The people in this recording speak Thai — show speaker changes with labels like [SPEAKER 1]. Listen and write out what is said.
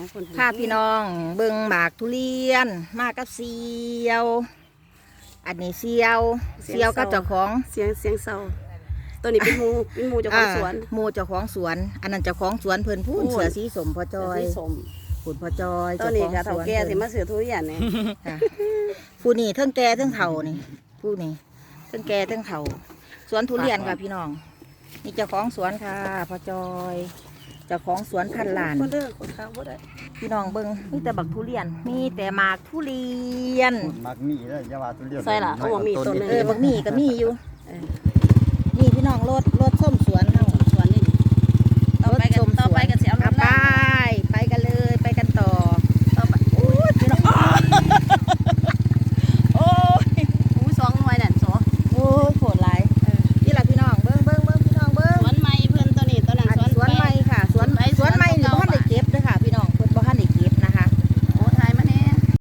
[SPEAKER 1] ของคน
[SPEAKER 2] พาพี่น้องเบิ่งหมากทุเรียนมากับเสียว อันนี้เสียวกับเจ้าของ
[SPEAKER 1] เสียงเศร้าตัวนี้เป็นหมูเจ้าของสวน
[SPEAKER 2] หมู่เจ้าของสวน อันนั้นเจ้าของสวนเพิ่นพูนเสือสีสมพ่อจอย
[SPEAKER 1] สีสม
[SPEAKER 2] พูนพ่อจอย
[SPEAKER 1] ตัวนี้ก็เฒ่าแก่สิมาซื้อทุเรียนนี่
[SPEAKER 2] ค่ะผู้นี่เทั้งแก่เทั้งเฒ่านี่ผู้นี่เทั้งแก่เทั้งเฒ่าสวนทุเรียนค่ะพี่น้องนี่เจ้าของสวนค่ะพ่อจอยเจ้าของสวนพันล้าน
[SPEAKER 1] บ่เด้อคนข้าวบ่ได้
[SPEAKER 2] พี่น้องเบิ่งมีแต่บักทุเรียนมีแต่หมากทุเรียน
[SPEAKER 3] มักมีเลยอย่าว่าทุเรียน
[SPEAKER 1] ใส่ล่ะเอาบ่มีต้นนึง
[SPEAKER 2] บักมี่ก็มีอยู่นี่พี่น้องรถส้มสวนเฮา
[SPEAKER 1] สวนนี่ต่อไปก็สิเอารถ
[SPEAKER 2] ไป
[SPEAKER 1] ลาก